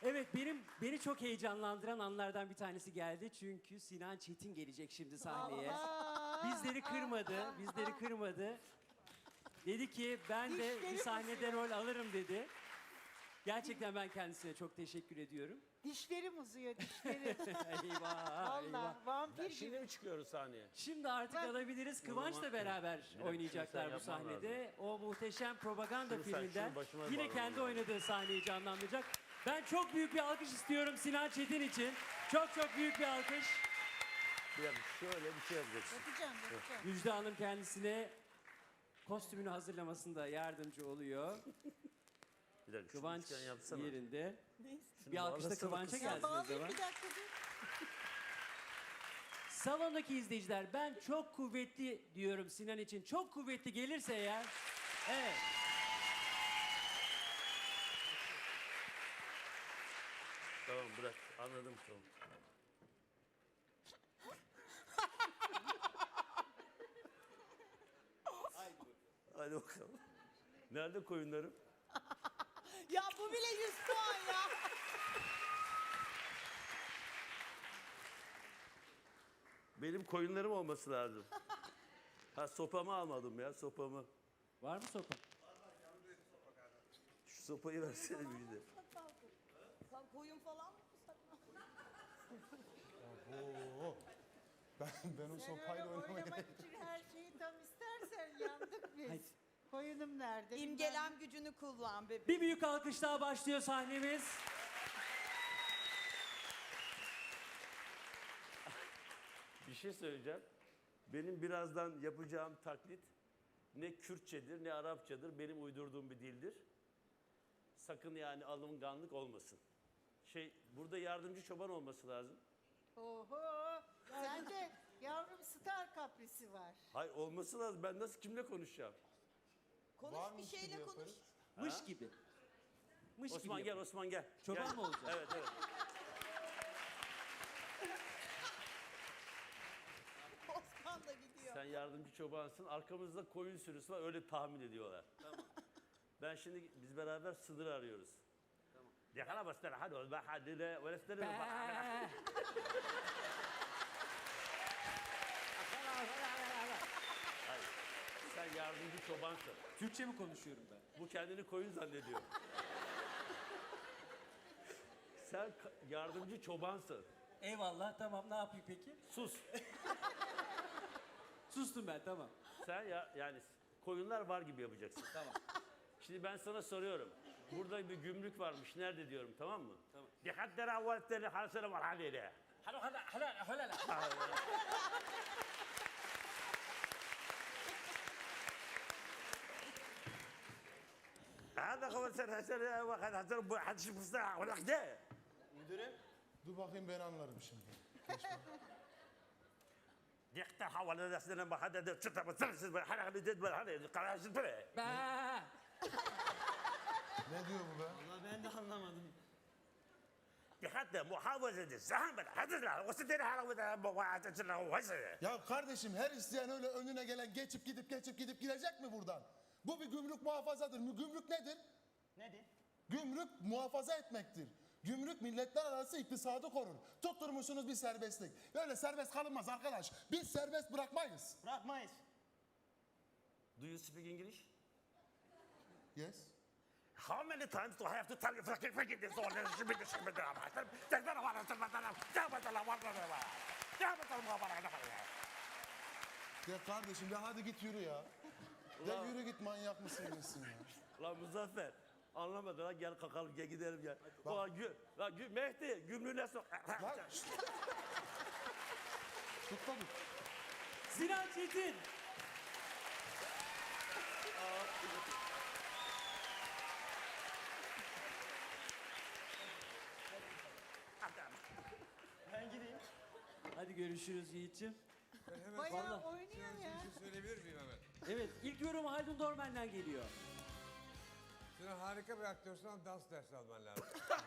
Evet, beni çok heyecanlandıran anlardan bir tanesi geldi. Çünkü Sinan Çetin gelecek şimdi sahneye. Bizleri kırmadı. Dedi ki ben de bir sahnede rol alırım dedi. Gerçekten ben kendisine çok teşekkür ediyorum. Dişlerim uzuyor, dişlerim. Eyvah, Valla eyvah. vampir Şimdi gibi. mi çıkıyoruz sahneye? Şimdi artık alabiliriz. Kıvanç'la beraber dakika, oynayacaklar şunu bu sen yapman sahnede. O muhteşem propaganda Şunu sen, filminden şunu başıma yine bağlaman kendi lazım. oynadığı sahneyi canlandıracak. Ben çok büyük bir alkış istiyorum Sinan Çetin için. Çok çok büyük bir alkış. Bir dakika şöyle bir şey yapacaksın. Yapacağım. Müjde Hanım kendisine kostümünü hazırlamasında yardımcı oluyor. Bir dakika Kıvanç şunu üçgen yapsana. yerinde. Şunu Bir alkış da bağlasana Kıvanç'a kızım. gelsin o Bağlayayım zaman. bir dakika dur. Salondaki izleyiciler ben çok kuvvetli diyorum Sinan için. Çok kuvvetli gelirse eğer. Evet. Tamam bırak anladım tamam. Hadi bakalım. Nerede koyunlarım? Ya bu bile 100 puan ya. Benim koyunlarım olması lazım. Ha sopamı almadım ya sopamı. Var mı sopa? Şu sopayı versene Müjde. Sen koyun falan mı Ben o Sen sopayla öyle oynamaya oynamak için her şeyi tam istersen yandık biz. Hadi. Koyunum nerede? İmgelem gücünü kullan bebeğim. Bir büyük alkış daha başlıyor sahnemiz. Bir şey söyleyeceğim. Benim birazdan yapacağım taklit ne Kürtçedir ne Arapçadır. Benim uydurduğum bir dildir. Sakın yani alınganlık olmasın. Burada yardımcı çoban olması lazım. Oho. Sende yavrum star kaprisi var. Hayır olması lazım. Ben nasıl kimle konuşacağım? Konuş bir Varmış gibi şeyle konuş. yaparız. Mış gibi. Mış Osman gibi. gel Osman gel. Çoban Gel. mı olacak? Evet evet. Osman da gidiyor. Sen yardımcı çobansın. Arkamızda koyun sürüsü var. Öyle tahmin ediyorlar. Tamam. Ben şimdi biz beraber sınır arıyoruz. Tamam. Yakala bastır. Hadi ol. Hadi le. Ve lestene. Sen yardımcı çobansın. Türkçe mi konuşuyorum ben? Bu kendini koyun zannediyor. Sen yardımcı çobansın. Eyvallah, tamam, ne yapayım peki? Sus. Sustum ben, tamam. Sen yani koyunlar var gibi yapacaksın. Tamam. Şimdi ben sana soruyorum. Burada bir gümrük varmış. Nerede diyorum tamam mı? Tamam. Dikkatlere avvaltleri hasene var haliyle. هذا هو سنة واحد هزار واحد شو مصنع ولا كده. Dur bakayım ben anlarım şimdi. دقيقة حاول أنا سنة ما حدا ده شتى بس حدا اللي جد ولا حدا قرار شو بره. Ne diyor bu be? Ben de anlamadım. دقيقة محاولة الزحمة هذا لا وستين حالا وده واحد شنو وزن. Ya kardeşim her isteyen öyle önüne gelen geçip gidip gidecek mi buradan? Bu bir gümrük muhafazadır. Gümrük nedir? Nedir? Gümrük muhafaza etmektir. Gümrük milletler arası iktisadı korur. Tutturmuşsunuz bir serbestlik. Böyle serbest kalınmaz arkadaş. Biz serbest bırakmayız. Bırakmayız. Do you speak English? Yes. How many times do I have to tell you fucking this all this shit this shit ده ما تقدر ولا تقدر جابت لا ولا جابت المغامرة. Ya kardeşim ya hadi git yürü ya. Ya yürü git manyak mısın nesin ya? Lan Muzaffer anlamadı lan gel kalkalım gel gidelim gel. Mehdi gümrüğüne sok. Lan şşt. Tut da tut. Sinan Çetin. Ben gideyim. Hadi görüşürüz Yiğit'ciğim. Bayağı oynuyor ya. Söyleyebilir miyim hemen? Evet, ilk yorum Haldun Dormen'den geliyor. Sen harika bir aktörsün ama dans dersi alman lazım.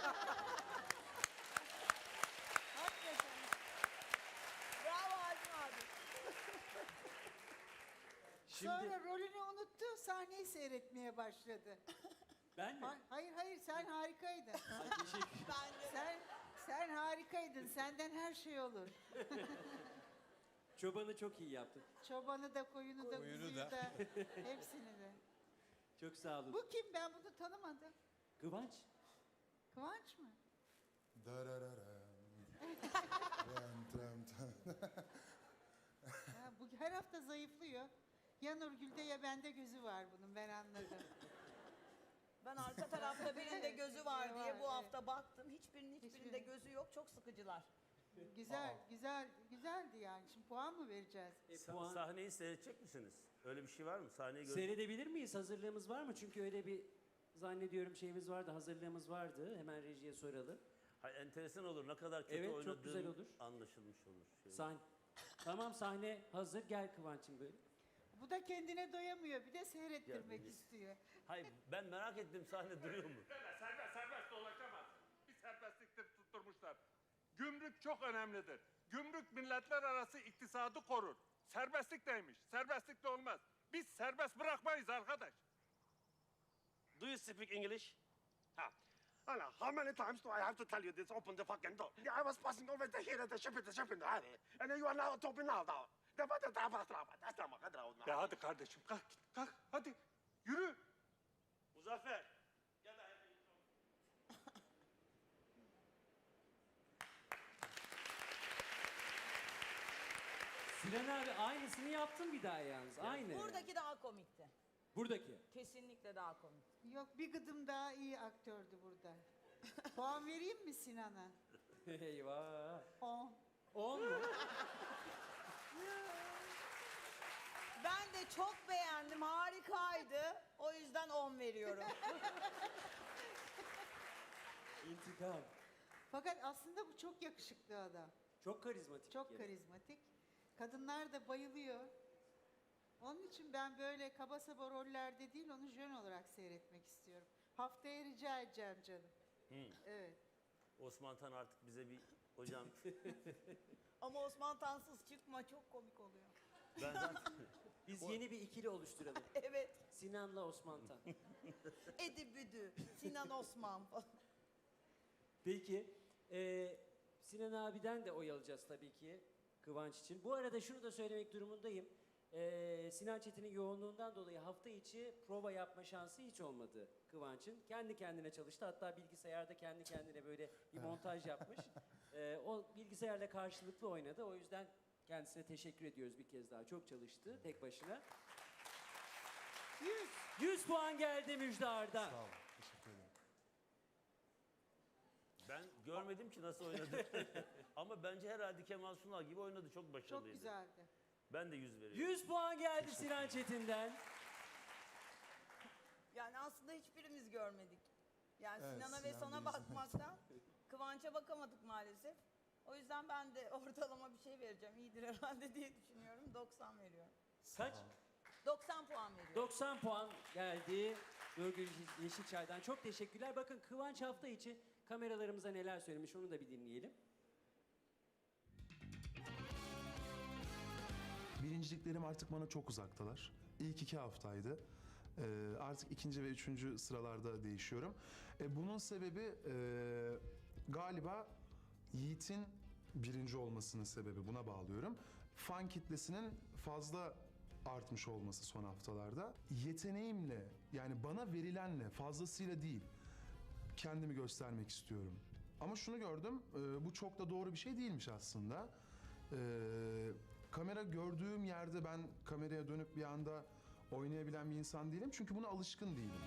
Hakikaten. Bravo Haldun abi. Şimdi Sonra rolünü unuttu, sahneyi seyretmeye başladı. ben mi? Hayır sen harikaydın. Ay, teşekkür. Ben yaptıydın. Senden her şey olur. Çobanı çok iyi yaptın. Çobanı da, koyunu da, Koyunu kuzuyu da. da. Hepsini de. Çok sağ olun. Bu kim? Ben bunu tanımadım. Kıvanç. Kıvanç mı? Darararam. Ram, tram, tam. Ha, bu her hafta zayıflıyor. Ya Nurgül'de ya bende gözü var bunun, ben anladım. Ben arka tarafta birinde gözü var diye Var, bu hafta baktım. Hiçbirinde Hiçbirinin. gözü yok. Çok sıkıcılar. Güzeldi yani. Şimdi puan mı vereceğiz? Puan. Sahneyi seyredecek misiniz? Öyle bir şey var mı? Sahneyi gör. Seyredebilir miyiz? Hazırlığımız var mı? Çünkü öyle bir zannediyorum şeyimiz vardı, hazırlığımız vardı. Hemen rejiye soralım. Hayır, enteresan olur. Ne kadar kötü Evet, çok oynadığın güzel olur. anlaşılmış olur. Şey. Tamam, sahne hazır. Gel Kıvanç'ım böyle. Bu da kendine doyamıyor. Bir de seyrettirmek Ya, istiyor. Hayır, ben merak ettim, sahne duruyor mu? Serbest dolaşamaz. Bir serbestliktir tutturmuşlar. Gümrük çok önemlidir. Gümrük milletler arası iktisadı korur. Serbestlik neymiş? Serbestlik de olmaz. Biz serbest bırakmayız arkadaş. Do you speak English? Hala, how many times do I have to tell you this? Open the fucking door. I was passing over the here, the ship in the alley. And you are now open now. Ya hadi kardeşim, kalk git, kalk. Hadi, yürü. Muzaffer. Gel Sinan abi aynısını yaptın bir daha yalnız. Aynı. Buradaki daha komikti. Buradaki. Kesinlikle daha komik. Yok, bir gıdım daha iyi aktördü burada. Puan vereyim mi Sinan'a? Eyvah. 10. 10 mu? Ben de çok beğendim. Harikaydı. O yüzden 10 veriyorum. İntikam. Fakat aslında bu çok yakışıklı adam. Çok karizmatik. Çok yani. karizmatik. Kadınlar da bayılıyor. Onun için ben böyle kaba saba rollerde değil, onu jön olarak seyretmek istiyorum. Haftaya rica edeceğim canım. Evet. Osman Tan artık bize bir hocam. Ama Osman Tansız çıkma, çok komik oluyor. Ben zaten Biz yeni bir ikili oluşturalım. Evet. Sinan'la Osman Tan. Edi Büdü, Sinan Osman falan. Peki. Sinan abiden de oy alacağız tabii ki Kıvanç için. Bu arada şunu da söylemek durumundayım. Sinan Çetin'in yoğunluğundan dolayı hafta içi prova yapma şansı hiç olmadı Kıvanç'ın. Kendi kendine çalıştı. Hatta bilgisayarda kendi kendine böyle bir montaj yapmış. O bilgisayarla karşılıklı oynadı. O yüzden kendisine teşekkür ediyoruz bir kez daha. Çok çalıştı tek başına. 100 puan geldi Müjdar'dan. Sağ olun. Teşekkür ederim. ben görmedim ki nasıl oynadı. Ama bence herhalde Kemal Sunal gibi oynadı. Çok başarılıydı. Çok güzeldi. Ben de 100 veriyorum. 100 puan geldi Sinan Çetin'den. Yani aslında hiçbirimiz görmedik. Yani Evet, Sinan'a ve Sinan sana değil. bakmaktan Kıvanç'a bakamadık maalesef. O yüzden ben de ortalama bir şey vereceğim. İyidir herhalde diye düşünüyorum. 90 veriyorum. Kaç? 90 puan veriyorum. 90 puan geldi Nurgül Yeşilçay'dan. Çok teşekkürler. Bakın Kıvanç hafta içi kameralarımıza neler söylemiş onu da bir dinleyelim. Birinciliklerim artık bana çok uzaktalar. İlk 2 haftaydı. Artık ikinci ve üçüncü sıralarda değişiyorum. Bunun sebebi galiba Yiğit'in birinci olmasının sebebi, buna bağlıyorum. Fan kitlesinin fazla artmış olması son haftalarda. Yeteneğimle, yani bana verilenle, fazlasıyla değil, kendimi göstermek istiyorum. Ama şunu gördüm, bu çok da doğru bir şey değilmiş aslında. Kamera gördüğüm yerde ben kameraya dönüp bir anda oynayabilen bir insan değilim. Çünkü buna alışkın değilim.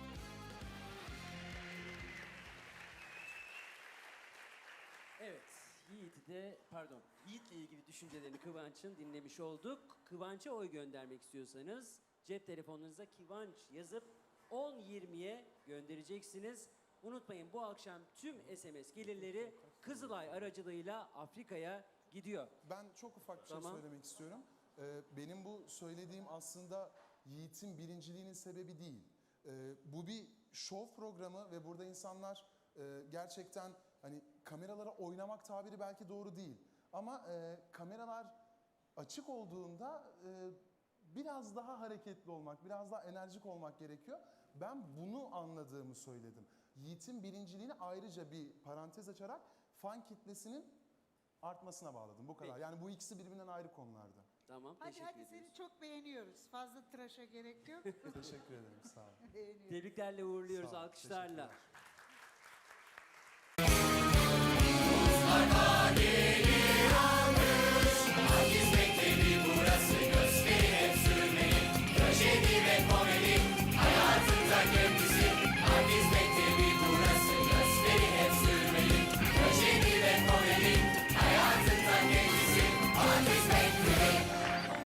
Evet, Yiğit'le ilgili düşüncelerini Kıvanç'ın dinlemiş olduk. Kıvanç'a oy göndermek istiyorsanız cep telefonunuza Kıvanç yazıp 10-20'ye göndereceksiniz. Unutmayın bu akşam tüm SMS gelirleri Kızılay aracılığıyla Afrika'ya gidiyor. Ben çok ufak bir şey Tamam. söylemek istiyorum. Benim bu söylediğim aslında Yiğit'in birinciliğinin sebebi değil. Bu bir şov programı ve burada insanlar gerçekten hani kameralara oynamak tabiri belki doğru değil. Ama kameralar açık olduğunda biraz daha hareketli olmak, biraz daha enerjik olmak gerekiyor. Ben bunu anladığımı söyledim. Yiğit'in birinciliğini ayrıca bir parantez açarak fan kitlesinin artmasına bağladım. Bu kadar. Peki. Yani bu ikisi birbirinden ayrı konularda. Tamam, Hadi teşekkür hadi ediyoruz. seni çok beğeniyoruz. Fazla tıraşa gerek yok. Teşekkür ederim. Sağ olun. Beğeniyoruz. Tebriklerle uğurluyoruz Sağ ol, alkışlarla. teşekkürler.